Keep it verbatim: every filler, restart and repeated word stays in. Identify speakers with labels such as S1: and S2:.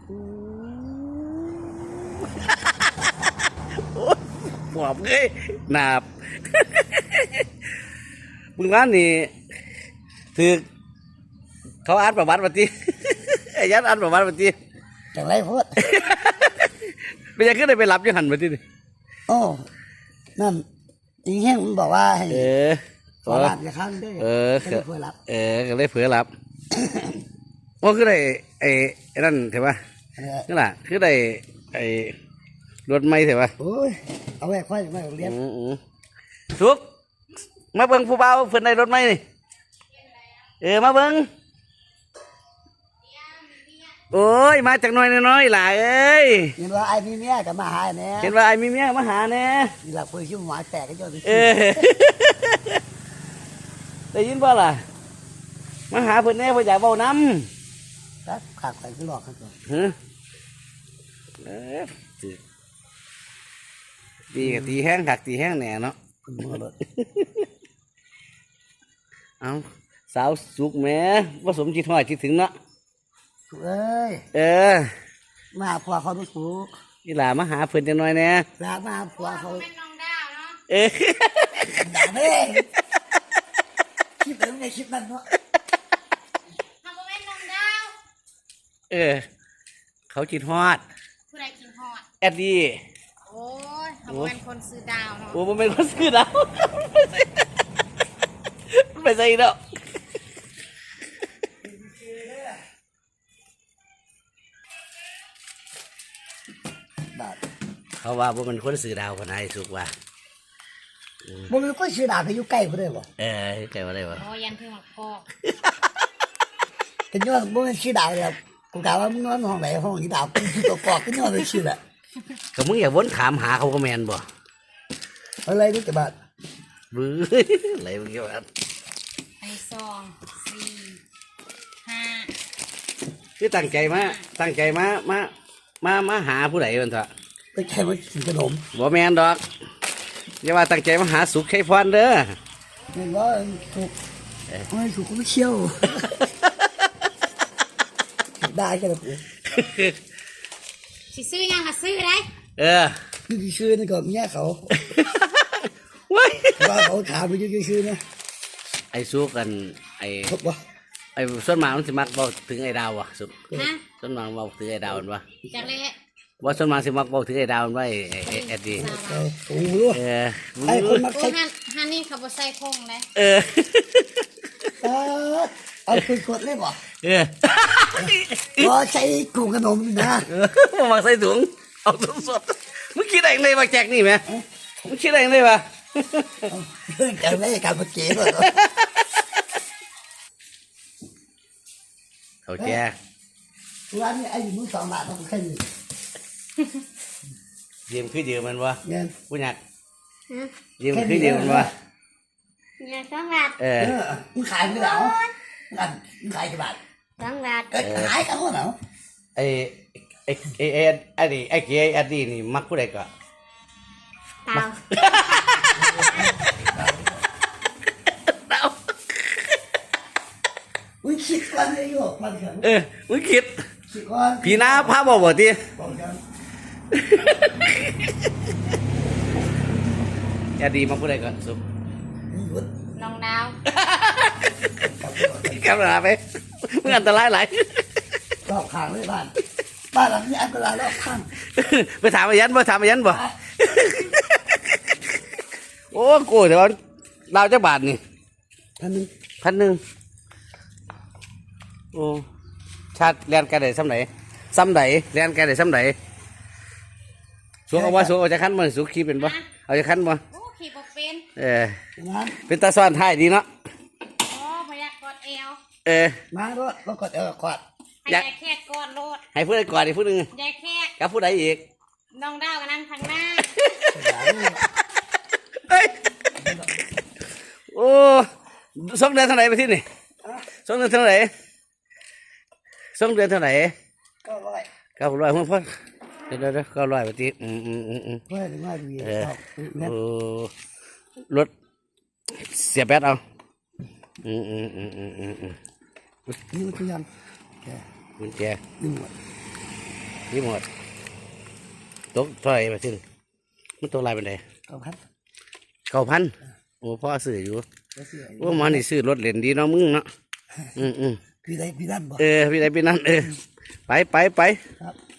S1: ปอบเลยหนาบมึงว่านี่ถือเขาอ่านประวัติมาทีไอ้ยัดอ่านประวัติมาที
S2: จังไรพูด
S1: ไม่ยังขึ้นได้ไปรับยังหันมาทีนี่
S2: โอ้นั่นจริงแห้งมันบอกว่าให้
S1: เออ
S2: ขอรับอย่าข้างได้
S1: เออ
S2: ก็เลยเผื่อรับ
S1: เออก็เลยเผื่อรับว่าคือได้ไอ้ไอ้นั่นเถอะวะนี่แหละคือได้ไอ้รถไม่เถอะวะ
S2: โอ้ยเอาไว้ค่อยมาเรียน
S1: ทุกมาเบิ้งผู้เบาเพิ่นในรถไหมนี่เออมาเบิ้งโอ้ยมาจากน้อยน้อยหลายเอ้ย
S2: เห็นว่าไอ้มีเมียกับมาหาเนี่ย
S1: เห็นว่าไอ้มีเมียมาหาเนี่ย
S2: นี่แหละคุยชื่อหมาแตกก็ยอด
S1: เออได้ยินป่ะล่ะมาหาเพิ่นแน่เพิ่นอยากเบาน้
S2: ำครับขาดไปที่หลอกครับ
S1: ฮะเออตีกับตีแห้งขักตีแห้งแหน่เนาะเอาสาวสุกแม่ผสมจิตหอยจิตถึงเนาะ
S2: เอ้ย
S1: เออ
S2: มาผัวเขาไม่ถูก
S1: นี่หล่ามาหาเพื่อนจังหน่อยแน่
S2: ลามาผัวเขา
S3: เป็นน้องดาวเนาะ
S1: เออ
S2: ด่าแม่คิดแล้วไงคิดนั่นเนาะ
S3: ทำเป็นน้องดาว
S1: เออเขาจิตฮอด
S3: ผู้ใดกินฮอด
S1: แอดดี้
S3: โอ้ยทำเป็นคนซื้อดาวเนาะ
S1: โอ้ผมเป็นคนซื้อดาวไปใส่เนาะเขาว่าผมเป็นคนซื้อดาวคนไหนสุกว่า
S2: ผมเป็นคนซื้อดาวไปอยู่ใกล้เขาได้บ่
S1: เออใกล้มาได้บ่
S3: โอ้ยันเพิ่งมาพอก
S2: กันย้อนผมเป็นซื้อดาวแล้วกูกล่าวว่ามึงนอนห้องไหนห้องที่ดาวกูซื้อตัวกอกกันย้อนไปซื้อแหละ
S1: ก็มึงอย่าวนถามหาเขาก็แมนบ่
S2: อะไรนี่จะบาด
S1: บื้ออะไรมึงกี่บาท
S3: ไอ้สองสี่ห้า
S1: คือตั้งใจมาตั้งใจมามามามาหาผู้ใดมันเถอะ
S2: ตั้งใจมากินขนม
S1: บ่แมนดอกอย่าว่าตั้งใจมาหาสุขให้พรเด้อ
S2: เห็นว่าสุกไม่สุกก็ไม่เชี่ยวได้กันเลย
S3: สิซื้อยังมาซื้อได้
S1: เออ
S2: นี่ซื้อนี่ก่อนเนี่ยเขาว่าเขาถามไปยืดซื้อนะ
S1: ไอ้สุกกันไอ้ไอ้ส่วนมากมันสิมักบอกถึงไอ้ดาวอ่ะสุกส่วนมากบอกถึงไอ้ดาวมันวะ
S3: จักเลย
S1: ว่าส่วนมากสิมักบอกถึงไอ้ดาวมันว่าไอ้ไอ้แอดดี้
S2: โอ้โห
S3: ไอ้คนมักใช้ฮันนี่เขาบอกใส่พงเลย
S1: เออ
S2: เอาคุณกดเลยบ่
S1: เออ
S2: พอใช้กลุ่มขนมนะ
S1: มาใส่ถุงเอาสดสดมึงคิดอะไรเลยมาแจกนี่ไหมมึงคิดอะไรเลยปะ
S2: เรื่องการไม่การมาเก็บเลย
S1: เขาแจก
S2: ร้านนี้ไอ้มือสองบาทต้องแค่นี้
S1: ยืมคือยืมมันวะผู้หญิงยืม
S3: คื
S1: อยืมมันวะ
S3: เงินสองบาท
S1: เออ
S2: มึงขายไม่ได้เหรอมึงขายกี่บาท
S3: สองบาท
S2: ขายกันเหรอ
S1: ไอ้ไอ้ไอ้ไอ้ไอ้ดิไอ้เก๋ไอ้ดินี่มักผู้ใดก็
S3: เต่า
S1: เต่า
S2: มึงคิดก่อนเลยโยกมันเถอะ
S1: เออมึงคิด
S2: คิดก่อน
S1: พี่น้าพาบอกบ่ทีไอ้ดิมักผู้ใดก็สุก
S3: น้องดาว
S1: กำลังไปมึงอันตรายหลาย
S2: รอบข้างเลยบ้านบ้านหลังนี้อันตรายรอบข้าง
S1: ไปถามอายันบ่ถามอายันบ่โอ้โกูแต่ว่าดาวจะบาทนี่
S2: พันหนึ่ง
S1: พันหนึ่งโอ้ชาติเรียนกันได้ซ้ำไหนซ้ำไหนเรียนกันได้ซ้ำไหนสูงเอาว่าสูงเอาจะขั้นมันสูงขี่เป็นบ่เอาจะขั้นบ่
S3: ขี่บ่เป็น
S1: เออเป็นตาซ้อนท้ายดีเนาะ
S3: อ๋อพยักกอดเอว
S1: เออ
S2: มารถรถกอดเอวกอด
S3: ยายแค่กอดรถ
S1: ให้ผู้ใดกอดอีกผู้หนึ่ง
S3: ยายแค่
S1: กับผู้ใดอีก
S3: น้องดาวกันนั่งทางหน้า
S1: โอ้สองเดือนเท่าไหร่ไปที่นี่สองเดือนเท่าไหร่สองเดือนเท่าไหร่
S2: เก้าร้อย
S1: เก้าร้อยพ่อพ่อเดี๋ยวเดี๋ยวเก้าร้อยไปที่อืมอืมอืมอืม
S2: ไม่ไม่ดี
S1: โอ้รถเสียแบตเอาอืมอืมอืมอืมอืม
S2: นี่มันคือยัง
S1: กุญแจ
S2: นี่หมด
S1: รีโมทตกถอยไปสิมันตกลายเป็นไง
S2: เอาครับ
S1: เก้าพันโอ้พ่อซื้ออยู่
S2: เดี๋ยวสิ
S1: ว่ามันนี่ซื้อรถเหรียญดีเนาะมึงเนาะอืมอืม
S2: พี่ได้พี่นั่นบ่
S1: เออพี่ใดพี่นั่นเออไปไปไป
S2: ครับ